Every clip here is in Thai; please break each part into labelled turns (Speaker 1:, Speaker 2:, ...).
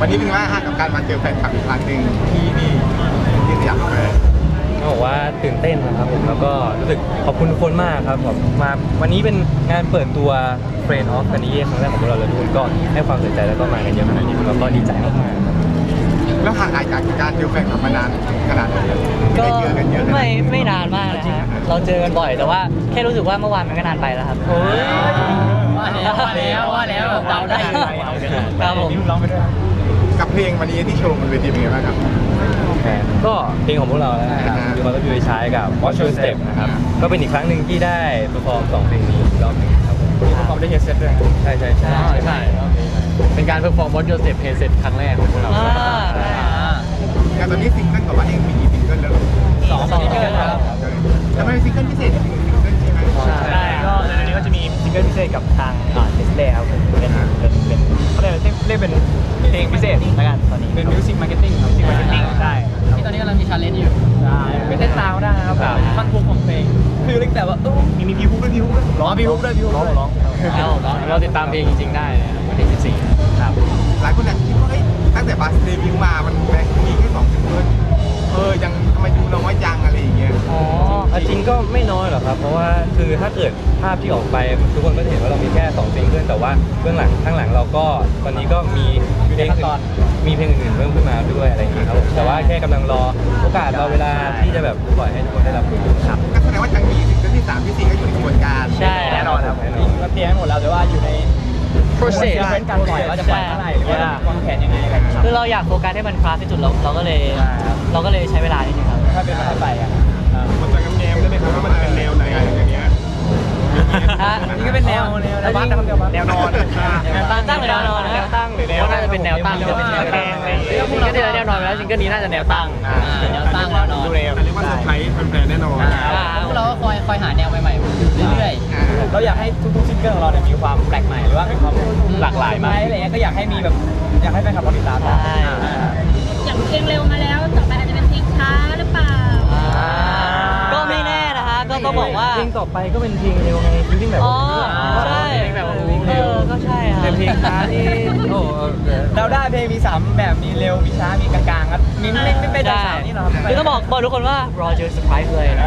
Speaker 1: วันนี้เป็นไงบ้างฮะกับการมาเจอแฟนคลับอีกครั้งหนึ่งที่สยามเลย
Speaker 2: ต้องบอกว่าตื่นเต้นนะครับผมแล้วก็รู้สึกขอบคุณทุกคนมากครับผมมาวันนี้เป็นงานเปิดตัว Friend of Kanye ครั้งแรกของพวกเราแล้วทุกคนก็ให้ความสนใจแล้วก็มากันเยอะขนาดนี้เราก็ดีใจมากๆครับ
Speaker 1: แล้วห่างหายจากการเจอแฟนคลับมานานขนาดไหน
Speaker 3: ก็
Speaker 1: ได้เจอกันเยอะขนาดไหน
Speaker 3: ไม่นานมากนะฮะเราเจอกันบ่อยแต่ว่าแค่รู้สึกว่าเมื่อวานมันก็นานไปแล้วครับว่าแล้วเดาได้ครับผม
Speaker 1: กับเพลงวันนี้ที่โชว์บนเวทีเป็นไงบ้างครับ
Speaker 2: ก็เพลงของพวกเราแล้วนะครับมีความต้องอยู่ใช้กับ Watch Your Step นะครับก็เป็นอีกครั้งหนึ่งที่ได้เปอร์ฟอร์ม2เพลงนี้อีกรอบหนึงครับผมมีเปอร์ฟอร์มได้เฮดเซตด้วยใช่เป็นการเปอร์ฟอร์ม Watch Your Step เฮดเซตครั้งแรกของพวกเรา
Speaker 1: แต่ตอนนี้ซิงเกิลกับว่าเองมีกี่ซิงเกิลแล้ว
Speaker 3: สองซิงเกิลครับ
Speaker 1: แล้วมันเป็นซิงเกิลพิเศษอีกหนึ่งซิงเกิลใช่ไหม
Speaker 2: ใช่ก็ในนี้ก็จะมีซิงเกิลพิเศษกับทางเนสเล่ครับผมเป็นเขาเรียกเป็นเพลงพิเศษแล้วกันตอนนี้เป็นมิวสิกมาร์เก็ตติ้งใช่
Speaker 3: ที่ตอนนี้กำลังมีชาเลนจ์อยู่
Speaker 2: ใช่เป็นเต้นตามได้นะครับท่อนฮุกของเพลงคือเล็กแต่ว่ามีพีฮุกด้วยร้องพีฮุกด้วยร้องเราติดตามเพลงจริงๆได้วันที่14ครับ
Speaker 1: หลายคนอยากคิดว่าตั้งแต่บัสเดบิวต์มามันแบ่งมีแค่2ซิงเกิลยังทำไมดูน้อยจังอะไรอย่างเงี้ย
Speaker 2: จริงก็ไม่น้อยหรอกครับเพราะว่าคือถ้าเกิดภาพที่ออกไปทุกคนก็จะเห็นว่าเรามีแค่2ซิงเกิลแต่ว่าเบื้องหลังข้างหลังเราก็ตอนนี้ก็มีเพลงอื่นเพิ่มขึ้นมาด้วยอะไรอย่างเงี้ยครับผมแต่ว่าแค่กำลังรอโอกาสรอเวลาที่จะแบบปล่อยให้ทุกคนได้รับรู้ครับ
Speaker 1: ก็แสดงว่ายังมีซิงเกิลที่3ที่4ก็อยู่ในกระบวนการ
Speaker 3: ใช่
Speaker 2: แน่นอนครับจริงก็เตรียมให้หมดแล้วแต่ว่าอยู่ใน process เป็นการปล่อยว่าจะปล่อยเมื่อไหร่หรือว่าวางแผนยังไงอะไรอย่างเงี้ย
Speaker 3: คือเราอยากโฟกัสให้มันคลาสที่สุดเราก็เลยใช้เวลานิดนึงครับ
Speaker 2: ถ้าเป็นไปอ่ะ
Speaker 1: มันจะแง้มได้ไหมครับว่ามันเป็นแนวไหนอะไรอย่างเงี้ย
Speaker 2: นี่ก็เป็นแนวบ้านนะครับแนวนอน
Speaker 3: แนวตั้งหรือแนวนอน
Speaker 2: แนวตั้งหรือแนว
Speaker 3: น่าจะเป็นแนวตั้งจะเป็นแนวตั้งซิงเกิลที่แล้วแนวนอนไปแล้วซิงเกิลนี้น่าจะแนวตั้งแนวตั้งแนวนอน
Speaker 2: ดูเร็ว
Speaker 1: เรียกว่าเซอร์ไพรส์แฟนๆแน่นอน
Speaker 3: พวกเราก็คอยหาแนวใหม่ๆเรื่อย
Speaker 2: เราอยากให้ทุกๆซิงเกิลของเราเนี่ยมีความแปลกใหม่หรือว่ามีความหลากหลายมากอะไรเงี้ยก็อยากให้มีแบบอยากให้แฟนคลับเราติดตาม
Speaker 3: ๆ
Speaker 2: ได้
Speaker 3: ใช่
Speaker 4: อย่างเพลงเร็วมาแล้วต่อไปอาจจะเป็นเพลงช้าหรือเปล่า
Speaker 3: ก็ไม่แน่นะฮะก็ต้องบอกว่า
Speaker 2: เพลงต่อไปก็เป็นเพลงเร็วไงจริงๆแบบ
Speaker 3: อ๋อใช่
Speaker 2: เพลงแบบเพลงเร็ว
Speaker 3: ก็ใช่ฮะ
Speaker 2: เป็นเพลงช้าที่โอ้เราได้เพลงมี3แบบมีเร็วมีช้ามีกลางๆครับมีไม่เป็นสาวนี่หรอ
Speaker 3: คือต้องบอกทุกคนว่ารอเจอเซอร์ไพรส์เลยนะ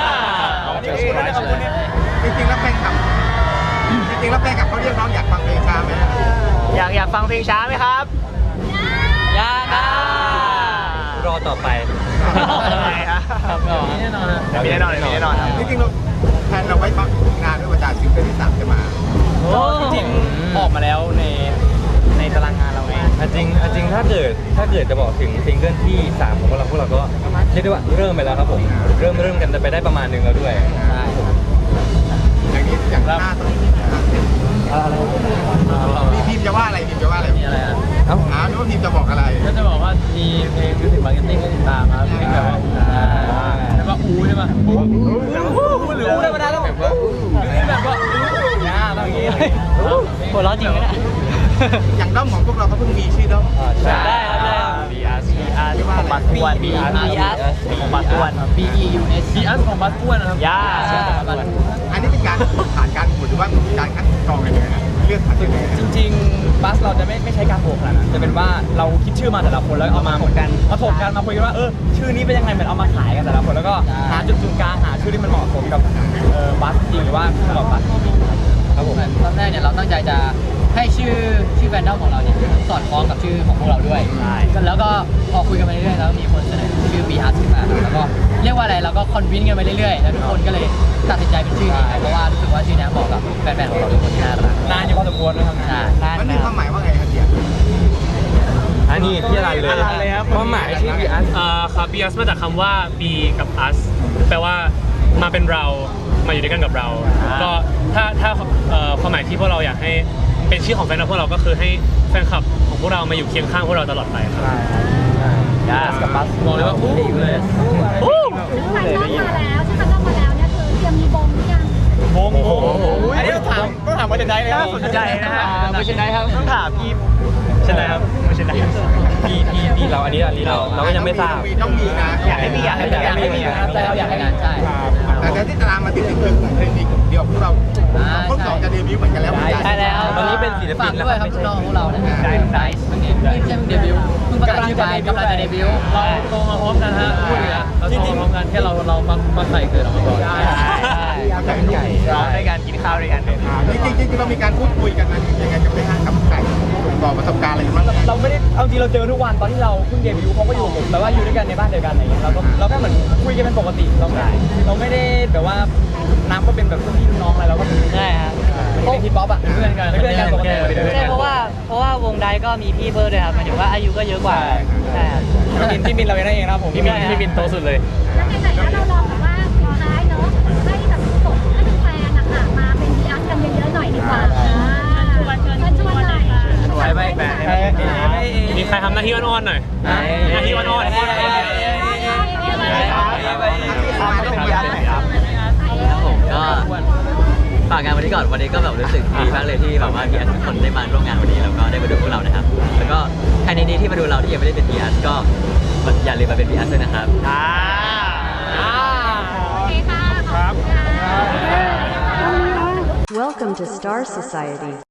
Speaker 1: จริงๆแล้วแฟนคลับเขาเรียกร้องอยากฟังเพลงช้าไหม
Speaker 2: อยากฟังเพลงช้าไหมครับ
Speaker 3: ยากอ่ะ
Speaker 2: รอต่อไป
Speaker 3: ครับก็
Speaker 2: มีแน่นอนครับ
Speaker 1: จริงๆเราแทนเราไว้ฟังงานด้วยว่าจากซิงเกิลที่3จะมา
Speaker 2: จริงๆออกมาแล้วในตารางงานเราเองจริงถ้าเกิดจะบอกถึงซิงเกิลที่3ของพวกเราก็เรียกได้ว่าเริ่มไปแล้วครับผมเริ่มกันไปได้ประมาณนึงแล้วด้วย
Speaker 1: อย่างนี้อย่างหน้าต้องพิมจะว่าอะไรมีอะไรนึกว่าพิมจะบอกอะไร
Speaker 2: ก็จะบอกว่ามีเพลงมิวสิกมาร์เก็ตติ้งให้ติดตามครับเพลงแบบว่าใช่ป่ะหรือธรรมดาต้องแบบว่าแบบว่าต้องอย่างงี้
Speaker 3: หัวเราะจริงนะเนี่ย
Speaker 1: อย่างด้อมของพวกเราเขาเพิ่งมีชื่อด้อม
Speaker 3: ใช่ครับได้ครับ
Speaker 2: BRS ของบัสอ้วน
Speaker 3: BRS
Speaker 2: ของบัสอ้วน BRS ของบัสอ้วนนะครับย่า
Speaker 1: อันนี้เป็นการผ่านการโหวตหรือว่าการคัดกรองกันยังไงนะเลือกคัดยังไง
Speaker 2: จริงๆบัสเราจะไม่ใช้การโหวตขนาดนั้นจะเป็นว่าเราคิดชื่อมาแต่ละคนแล้วเอามาถกกันมาคุยกันว่าชื่อนี้เป็นยังไงเหมือนเอามาขายกันแต่ละคนแล้วก็หาจุดศูนย์กลางหาชื่อที่มันเหมาะสมกับบัสจริงหรือว่าสำหรับบัสครับผม
Speaker 3: ตอนแรกเนี่ยเราตั้งใจจะให้ชื่อแฟนดอมของเราเนี่ยสอดคล้องกับชื่อของพวกเราด้วยแล้วก็พอคุยกันไปเรื่อยๆแล้วมีคนเสนอชื่อ BRS ขึ้นมาแล้วก็เรียกว่าอะไรเราก็คอนวินกันไปเรื่อยๆแล้วทุกคนก็เลยตัดสินใจเป็นชื่อนี้เพราะว่ารู้สึกว่าชื่อนี้เหมาะกับแฟนๆของเราทุกคนที่น่ารัก
Speaker 2: นานอยู่พอสมควรนะครับ
Speaker 3: ใช่นาน
Speaker 1: มันมีความหมายว่าไงครับเดีย
Speaker 2: อันนี้ที่อะไรเลยครับความหมายชื่อ BRS
Speaker 5: ครับ BRS มาจากคำว่า be กับ us แปลว่ามาเป็นเรามาอยู่ด้วยกันกับเรา ก็ถ้าความหมายที่พวกเราอยากให้เป็นชื่อของแฟนคลับพวกเราก็คือให้แฟนคลับของพวกเรามาอยู่เคียงข้างพวกเราตลอดไปครับ
Speaker 2: BRS กับบัสบอกเลยว่าดีเลย
Speaker 4: คันนอกมาแล้วใช่คันนอกมาแล้วเนี่ยคือเตรียมมีบงหรือยัง
Speaker 2: โอ้โหอันนี้ต้องถามว่าจะได้เลยน่าสนใจนะฮะไม่ใช่ได้ครับต้องถามพี่ใช่ไหมครับไม่ใช่ได้พี่เราอันนี้เราก็ยังไม่ทราบ
Speaker 1: ต้องมีนะ
Speaker 2: อยากให้มีแต่เราอยากให้งานใช่
Speaker 1: แต่ที่ตารางมาติดคือเพลงนี้เดียวพวกเราพวกสองจะเดบิวต์เหมือนกันแล้ว
Speaker 3: ใช่แล้ว
Speaker 2: ตอนนี้เป็นเป็นศิลปิน
Speaker 3: ฝากด้วยครับน้องของเรานะฮะไดส์เพิ่งไม่ใช่เพิ่งเดบิวต์เพิ่งประกาศชื่อไปกำลังจะเดบิวต์
Speaker 6: เราโตมาพร้อมกันฮะพูดเลยอะเราโตมาพร้อมกันแค่เรามาใส่เกิดออกมาก่อน
Speaker 1: ไก่ไก่
Speaker 3: เราในการกินข้าวด้วยกัน
Speaker 1: จริงๆเรามีการพูดคุยกันนะยังไงจะไปหากับไก่ต่อประสบการณ์อะไรกันบ้าง
Speaker 7: เราไม่ได้เอาจริงเราเจอทุกวันตอนที่เราเพิ่งเดบิวต์เขาก็อยู่กับผมแต่ว่าอยู่ด้วยกันในบ้านเดียวกันอะไรเงี้ยเราแค่เหมือนคุยกันเป็นปกติเราไม่ได้แบบว่านับว่าเป็นแบบพี่น้องอะไรเราก็เป็น
Speaker 8: ใช่ครับ
Speaker 7: เป็นฮิปฮอปอ่ะเพื่อนกันปกติ
Speaker 8: ใช่เพราะว่าวงไดก็มีพี่เบิร์ดด้วยครับหมายถึงว่าอายุก็เยอะกว่าใช่ครับ
Speaker 7: พี่มินเราเองนั่นเองนะครับผม
Speaker 6: พี่มินโตสุดเลย
Speaker 4: แล้วไหนๆแล้วเราลองแบบว่าสุดท้ายเนาะให้แบบส่งให้แฟนๆนะคะมาเป็นดีอาร์กันเยอะๆหน่อยดีกว่าชวนหน่อย
Speaker 3: ไว้แบน
Speaker 5: มีใครทำหน้าที่อ้อนๆหน่อยหน้าที่อ้อนๆ
Speaker 8: ครับผมก็ฝากงานวันนี้ก่อนวันนี้ก็แบบรู้สึกดีมากเลยที่แบบว่าพีอาร์ทุกคนได้มาร่วมงานวันนี้แล้วก็ได้มาดูพวกเรานะครับแล้วก็ใครในนี้ที่มาดูเราที่ยังไม่ได้เป็นพีอาร์ก็อย่าลืมมาเป็นพีอาร์ด้วยนะครับ
Speaker 4: โอเคค่ะขอบคุณค่ะ
Speaker 9: Welcome to Star Society.